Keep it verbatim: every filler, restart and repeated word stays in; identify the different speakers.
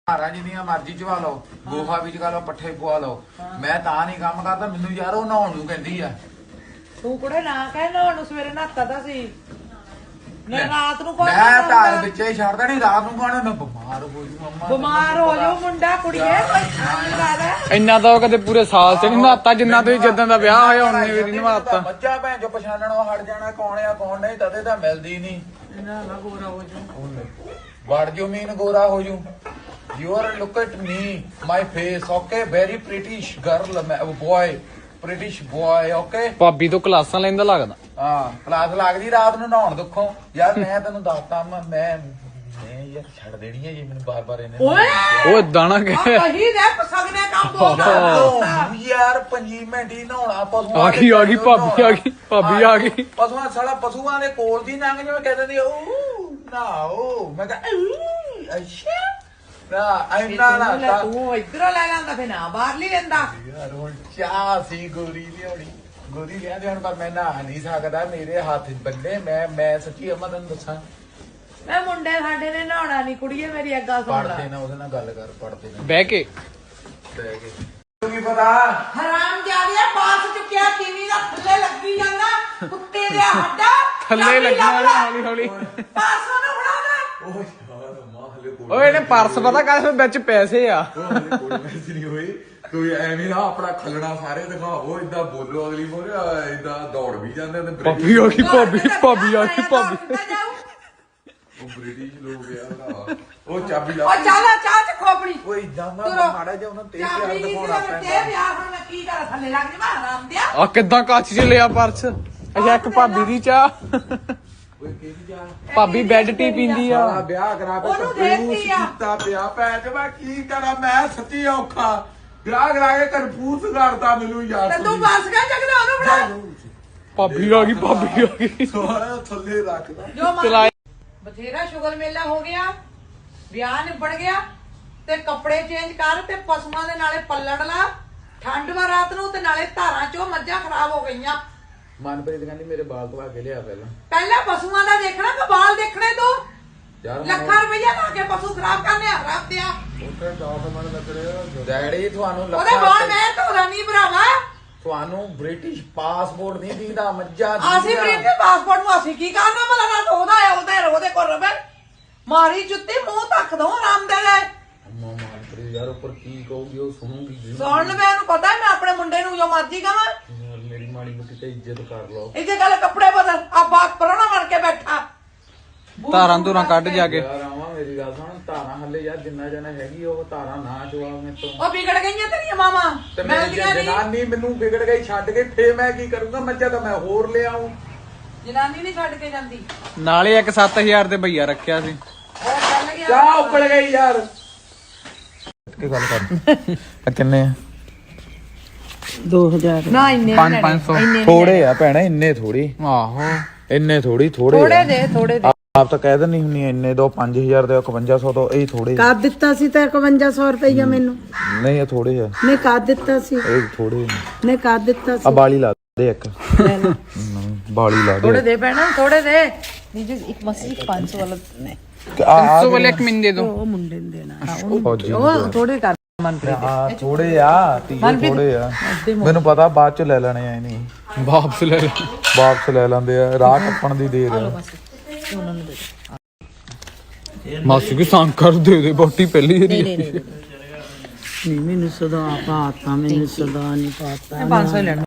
Speaker 1: ਹਾਰਾਂ ਜਿੰਨੀਆਂ ਮਰਜ਼ੀ ਚਵਾ ਲਓ, ਗੋਹਾ ਵੀ ਚਗਾ ਲਓ, ਪੱਠੇ ਪਵਾ ਲਓ, ਮੈਂ ਤਾਂ ਨਹੀਂ ਕੰਮ ਕਰਦਾ। ਮੈਨੂੰ ਯਾਰ ਉਹ ਨਹਾਉਣ ਨੂੰ ਕਹਿੰਦੀ ਆ।
Speaker 2: ਤੂੰ ਕੁੜੇ ਨਾ ਕਹਿ ਨਹਾਉਣ ਨੂੰ, ਸਵੇਰੇ ਨਹਾਤਾ ਤਾਂ ਸੀ। ਮੈਂ ਰਾਤ ਨੂੰ ਕੋਈ
Speaker 1: ਮੈਂ ਤਾਂ ਵਿੱਚੇ ਹੀ ਛੱਡ ਦੇਣੀ, ਰਾਤ ਨੂੰ ਕਹਣਾ ਮੈਂ ਬਿਮਾਰ ਹੋ ਜੂ ਮੰਮਾ।
Speaker 2: ਬਿਮਾਰ ਹੋ ਜਾਊ ਮੁੰਡਾ ਕੁੜੀਏ, ਕੋਈ
Speaker 3: ਇੰਨਾ ਤਾਂ ਉਹ ਕਦੇ ਪੂਰੇ ਸਾਲ ਚ ਨਹੀਂ ਨਹਾਤਾ ਜਿੰਨਾ ਤੁਸੀਂ ਜਦੋਂ ਦਾ ਵਿਆਹ ਹੋਇਆ ਉਹਨੇ ਵੀ ਨਹੀਂ ਨਹਾਤਾ।
Speaker 1: ਬੱਚਾ ਭੈਣ ਚੋ ਪਛਾਣਨੋਂ ਹਟ ਜਾਣਾ ਕੌਣ ਆ ਕੌਣ ਨਹੀਂ, ਤਦੇ ਤਾਂ ਮਿਲਦੀ ਨਹੀਂ।
Speaker 2: ਨਾ ਨਾ ਗੋਰਾ ਹੋ ਜਾਊ।
Speaker 1: ਵੜ ਜੂ ਮੀਨ ਗੋਰਾ ਹੋ ਜੂ। You are look at me, my face, okay? Very British girl, boy, British boy, okay?
Speaker 3: ਭਾਬੀ ਤੋਂ ਕਲਾਸਾਂ ਲੈਂਦਾ ਲੱਗਦਾ।
Speaker 1: ਹਾਂ ਕਲਾਸ ਲੱਗਦੀ ਰਾਤ ਨੂੰ ਨਹਾਉਣ ਦੁੱਖੋਂ। ਯਾਰ ਮੈਂ ਤੈਨੂੰ ਦੱਸਤਾ ਮੈਂ ਮੈਂ ਮੈਂ ਯਾਰ ਛੱਡ ਦੇਣੀ ਹੈ ਜੇ ਮੈਨੂੰ ਬਾਰ ਬਾਰ ਇਹਨੇ
Speaker 2: ਓਏ
Speaker 3: ਉਹ ਦਾਣਾ ਕਿ
Speaker 2: ਕਹੀ ਦੇ ਪਸਗਨੇ ਕੰਮ ਬੋਲਦਾ
Speaker 1: ਯਾਰ ਪੰਜੀ ਮਿੰਟ ਹੀ ਨਹਾਉਣਾ ਪਸ਼ੂਆਂ
Speaker 3: ਆ ਗਈ ਆ ਗਈ ਭਾਬੀ ਆ ਗਈ ਭਾਬੀ ਆ ਗਈ।
Speaker 1: ਪਸ਼ੂਆਂ ਸਾਲਾ ਪਸ਼ੂਆਂ ਦੇ ਕੋਲ ਦੀ ਲੰਘ ਜਿਵੇਂ ਕਹਿੰਦੇ ਨੇ ਉਹ ਨਾਓ ਮੈਂ ਕਿਹਾ ਅੱਛਾ ਨਾ ਇੰਨਾ ਨਾ
Speaker 2: ਤੂੰ ਇਧਰੋਂ ਲੈ ਲੈਂਦਾ ਫੇ ਨਾ ਬਾਹਰ ਨਹੀਂ ਲੈਂਦਾ
Speaker 1: ਯਾਰ ਹੁਣ ਚਾਹ ਸੀ ਗੋਰੀ ਲਿਆਉਣੀ ਗੋਰੀ ਲਿਆਂਦੇ ਹੁਣ ਪਰ ਮੈਂ ਨਹਾ ਨਹੀਂ ਸਕਦਾ, ਮੇਰੇ ਹੱਥ ਬੰਨੇ। ਮੈਂ ਮੈਂ ਸੱਚੀ ਅਮਾ ਤੈਨੂੰ ਦੱਸਾਂ,
Speaker 2: ਮੈਂ ਮੁੰਡੇ ਸਾਡੇ ਨੇ ਨਹਾਉਣਾ ਨਹੀਂ ਕੁੜੀਏ, ਮੇਰੀ ਅੱਗਾ ਸੁਣ ਲੈ।
Speaker 1: ਪੜਦੇ ਨਾ ਉਹਦੇ ਨਾਲ ਗੱਲ ਕਰ, ਪੜਦੇ ਨਾ
Speaker 3: ਬਹਿ ਕੇ
Speaker 1: ਬਹਿ ਕੇ ਤੂੰ ਕੀ ਪਤਾ
Speaker 2: ਹਰਾਮ ਜਾਦਿਆ ਬਾਸ ਚੁੱਕਿਆ ਟੀਵੀ ਦਾ ਥੱਲੇ ਲੱਗੀ ਜਾਂਦਾ ਕੁੱਤੇ ਦੇ ਹੱਡਾ
Speaker 3: ਥੱਲੇ ਲੱਗਣਾ ਹੌਲੀ ਹੌਲੀ।
Speaker 2: ਪਾਸੋਂ ਨੂੰ ਫੜਾਣਾ।
Speaker 1: ਓਏ ਯਾਰ ਮਾਂ ਹਲੇ ਕੋਲ
Speaker 3: ਓਏ ਇਹਨੇ ਪਰਸ ਪਤਾ ਕਾਹਦੇ ਵਿੱਚ ਪੈਸੇ ਆ।
Speaker 1: ਉਹ ਹਲੇ ਕੋਲ ਮੈਸੇਜ ਨਹੀਂ ਹੋਈ। ਕੋਈ ਐਵੇਂ ਨਾ ਆਪਣਾ ਖਲਣਾ ਸਾਰੇ ਦਿਖਾਓ, ਇਦਾਂ ਬੋਲੋ ਅਗਲੀ ਮੋਰੇ ਇਦਾਂ ਦੌੜ ਵੀ ਜਾਂਦੇ ਨੇ।
Speaker 3: ਭਾਬੀ ਆ ਗਈ ਭਾਬੀ ਭਾਬੀ ਆ ਗਈ ਭਾਬੀ।
Speaker 1: ਉਹ ਬ੍ਰਿਟਿਸ਼ ਲੋਕ ਆ ਉਹ ਚਾਬੀ ਲਾ
Speaker 2: ਉਹ ਚੱਲ ਚਾਹ ਚ ਖੋਪੜੀ
Speaker 1: ਓਏ ਇਦਾਂ ਨਾ ਮਾੜਾ ਜਿਹਾ ਉਹਨਾਂ ਤੇ ਪਿਆਰ ਦਿਖਾਉਣਾ
Speaker 2: ਤੇ
Speaker 1: ਪੈਂਦਾ।
Speaker 2: ਵਿਆਹ ਹੁਣ ਮੈਂ ਕੀ ਕਰ ਥੱਲੇ ਲੱਗ ਜਾ ਹਰਾਮ ਦਿਆ।
Speaker 3: ਆ ਕਿੱਦਾਂ ਕੱਚ ਚ ਲਿਆ ਪਰਸ। ਅੱਛਾ ਇੱਕ ਭਾਬੀ ਦੀ ਚਾਹ।
Speaker 1: ਓਏ ਕਿਹਦੀ ਜਾ
Speaker 3: ਭਾਬੀ ਬੈੱਡ ਟੀ ਪੀਂਦੀ ਆ।
Speaker 1: ਸਾਰਾ ਵਿਆਹ ਕਰਾ ਕੇ
Speaker 2: ਉਹਨੂੰ
Speaker 1: ਕੰਫਿਊਜ਼
Speaker 2: ਦੇਤੀ ਆ।
Speaker 1: ਕੀਤਾ ਪਿਆ ਭੈਣ ਚ। ਮੈਂ ਕੀ ਕਰਾਂ, ਮੈਂ ਸੱਚੀ ਔਖਾ ਵਿਆਹ ਕਰਾ ਕੇ ਕੰਫਿਊਜ਼ ਕਰਤਾ ਮੈਨੂੰ ਯਾਰ।
Speaker 2: ਤੇ ਤੂੰ ਬਸ ਗਿਆ ਜਗਦਾ ਉਹਨੂੰ ਫੜਾ।
Speaker 3: ਭਾਬੀ ਆ ਗਈ ਭਾਬੀ ਆ ਗਈ।
Speaker 1: ਸਾਰਾ ਥੱਲੇ ਰੱਖਦਾ
Speaker 2: ਜੋ
Speaker 3: ਚਲਾਏ
Speaker 2: ਬਥੇਰਾ ਸ਼ੁਗਰ ਮੇਲਾ ਹੋ ਗਿਆ, ਵਿਆਹ ਨਿਬੜ ਗਿਆ ਤੇ ਕੱਪੜੇ ਚੇਂਜ ਕਰ ਤੇ ਪਸ਼ੂਆਂ ਦੇ ਨਾਲੇ ਪੱਲੜ ਲਾ। ਠੰਡ ਵਾ ਰਾਤ ਨੂੰ ਤੇ ਨਾਲੇ ਧਾਰਾਂ ਚੋਂ ਮੱਝਾਂ ਖਰਾਬ ਹੋ ਗਈਆਂ।
Speaker 1: ਮਨਪ੍ਰੀਤ ਕਹਿੰਦੀ ਮੇਰੇ ਬਾਲ ਧਵਾ ਕੇ ਲਿਆ ਪਹਿਲਾਂ।
Speaker 2: ਪਹਿਲਾਂ ਪਸ਼ੂਆਂ ਦਾ ਦੇਖਣਾ ਕਿ ਬਾਲ ਦੇਖਣੇ ਤੂੰ?
Speaker 1: ਯਾਰ
Speaker 2: ਲੱਖਾਂ ਰੁਪਈਆ ਲਾ ਕੇ ਪਸ਼ੂ ਖਰਾਬ ਕਰਨੇ ਆ ਰੱਬ ਦਿਆ।
Speaker 1: ਉੱਥੇ ਡਾਕੂਮੈਂਟ ਲੱਗ ਰਹੇ ਡੈਡੀ ਤੁਹਾਨੂੰ
Speaker 2: ਉਹਦੇ ਬਾਲ ਮੈਂ ਧੋਰਾ ਨਹੀਂ ਭਰਾਵਾ।
Speaker 1: ਤੁਹਾਨੂੰ ਬ੍ਰਿਟਿਸ਼ ਪਾਸਪੋਰਟ ਨਹੀਂ ਦਿੰਦਾ ਮੱਝਾਂ
Speaker 2: ਅਸੀਂ ਬ੍ਰਿਟਿਸ਼ ਪਾਸਪੋਰਟ ਨੂੰ ਅਸੀਂ ਕੀ ਕਰਨਾ ਭਲਾ? ਨਾ ਉਹਦਾ ਹੈ ਉਹਦੇ ਉਹਦੇ ਕੋਲ ਰਵੇ ਮਾਰੀ ਜੁੱਤੀ ਮੂੰਹ ਤੱਕ ਦੋ ਆਰਾਮ ਦੇ ਲੈ।
Speaker 1: ਅੰਮਾ ਮਨਪ੍ਰੀਤ ਯਾਰ ਉੱਪਰ ਕੀ ਕਹੂਗੀ ਉਹ ਸੁਣੂਗੀ।
Speaker 2: ਸੁਣ ਲੈ, ਮੈਨੂੰ ਪਤਾ ਮੈਂ ਆਪਣੇ ਮੁੰਡੇ ਨੂੰ ਜੋ ਮਰਜ਼ੀ ਕਹਾਂ।
Speaker 1: ਯਾਰ ਮੇਰੀ ਮਾੜੀ ਮੁੱਟੀ ਤੇ ਇੱਜ਼ਤ ਕਰ ਲਓ।
Speaker 2: ਇਹਦੇ ਗੱਲ ਕੱਪੜੇ ਬਦਲ ਆ ਬਾਪ ਪਰਣਾ ਬਣ ਕੇ ਬੈਠਾ।
Speaker 3: ਧਾਰਾਂ ਧੂਰਾਂ ਕੱਢ ਜਾ ਕੇ।
Speaker 1: ਯਾਰ ਆਵਾਂ ਮੇਰੀ ਗੱਲ ਸੁਣ, ਧਾਰਾਂ ਹੱਲੇ ਯਾਰ ਜਿੰਨਾ ਜਣਾ ਹੈਗੀ ਉਹ ਧਾਰਾਂ ਨਾ ਚਵਾ ਮੇਰੇ ਤੋਂ।
Speaker 2: ਉਹ ਵਿਗੜ ਗਈਆਂ ਤੇਰੀਆਂ ਮਾਮਾ।
Speaker 1: ਤੇ
Speaker 2: ਮੈਂ
Speaker 1: ਮੇਰੀ ਜਨਾਨੀ ਮੈਨੂੰ ਵਿਗੜ ਗਈ ਛੱਡ ਕੇ, ਫੇਰ ਮੈਂ ਕੀ ਕਰੂੰਗਾ? ਮੱਝਾਂ ਤਾਂ ਮੈਂ ਹੋਰ ਲਿਆਉਂ।
Speaker 2: ਜਨਾਨੀ ਨਹੀਂ ਛੱਡ ਕੇ ਜਾਂਦੀ।
Speaker 3: ਨਾਲੇ ਇੱਕ ਸੱਤ ਹਜ਼ਾਰ ਦੇ ਭਈਆ ਰੱਖਿਆ ਸੀ।
Speaker 2: ਉਹ ਚੱਲ ਗਿਆ
Speaker 1: ਚਾਹ ਉੱਕਲ ਗਈ ਯਾਰ। ਕੀ ਗੱਲ ਕਰ ਕਿੰਨੇ ਆ?
Speaker 2: ਦੋ ਹਜ਼ਾਰ ਨਾ ਇੰਨੇ
Speaker 3: ਪੰਜ ਪੰਜ ਸੌ
Speaker 1: ਥੋੜੇ ਆ ਭੈਣਾ, ਇੰਨੇ ਥੋੜੀ।
Speaker 3: ਆਹੋ
Speaker 1: ਇੰਨੇ ਥੋੜੀ ਥੋੜੇ
Speaker 2: ਥੋੜੇ ਦੇ ਥੋੜੇ ਦੇ
Speaker 1: ਆਪ ਤਾਂ ਕਹਿ ਦਿੰਨੀ ਹੁੰਨੀ ਇੰਨੇ ਦੋ ਪੰਜ ਹਜ਼ਾਰ ਦੇ ਇਕਵੰਜਾ ਸੌ ਤੋਂ ਇਹ ਥੋੜੇ।
Speaker 4: ਕਰ ਦਿੱਤਾ ਸੀ ਤਾਂ ਇਕਵੰਜਾ ਸੌ ਰੁਪਈਆ ਮੈਨੂੰ।
Speaker 1: ਨਹੀਂ ਇਹ ਥੋੜੇ ਆ,
Speaker 4: ਨੇ ਕਰ ਦਿੱਤਾ ਸੀ
Speaker 1: ਇਹ ਥੋੜੇ
Speaker 4: ਨੇ ਕਰ ਦਿੱਤਾ
Speaker 1: ਆ।
Speaker 4: ਸੀ।
Speaker 1: ਬਾਲੀ ਲਾ ਦੇ ਇੱਕ ਬਾਲੀ ਲਾ
Speaker 2: ਥੋੜੇ
Speaker 1: ਦੇ
Speaker 2: ਦੇ ਪੈਣਾ ਥੋੜੇ ਦੇ। ਨੀਜੇ ਇੱਕ ਮਸੀ ਪੰਜ ਸੌ ਵਾਲਾ ਨੇ
Speaker 1: ਆ
Speaker 3: ਸੋ ਵਾਲੇ ਇੱਕ ਮਿੰਟ ਦੇ ਦੋ।
Speaker 4: ਉਹ ਮੁੰਡੇ ਨੂੰ ਦੇਣਾ
Speaker 1: ਫੌਜੀ
Speaker 2: ਉਹ ਥੋੜੇ ਕਰ ਮਨਪ੍ਰੀਤ
Speaker 1: ਆ ਥੋੜੇ ਆ ਤੀਏ ਥੋੜੇ ਆ। ਮੈਨੂੰ ਪਤਾ ਬਾਅਦ ਚ ਲੈ ਲੈਣੇ ਆ ਇਹਨੇ
Speaker 3: ਵਾਪਸ ਲੈ ਲੈ।
Speaker 1: ਵਾਪਸ ਲੈ ਲੈਂਦੇ ਆ, ਰਾਹ ਟੱਪਣ ਦੀ ਦੇਰ ਆ।
Speaker 2: ਉਹਨਾਂ ਨੂੰ ਦੇ
Speaker 3: ਮਾਸੀ ਕੀ ਸੰਗ ਕਰ ਦੇ ਦੇ ਬੋਟੀ ਪਹਿਲੀ
Speaker 2: ਨਹੀਂ
Speaker 3: ਏਰੀ।
Speaker 2: ਨਹੀਂ ਨਹੀਂ
Speaker 4: ਨਹੀਂ ਮੈਨੂੰ ਸਦਾ ਪਾਤਾ ਮੈਨੂੰ ਸਦਾ ਨਹੀਂ ਪਾਤਾ।
Speaker 2: ਪੰਜ ਸੌ ਲੈਣਾ।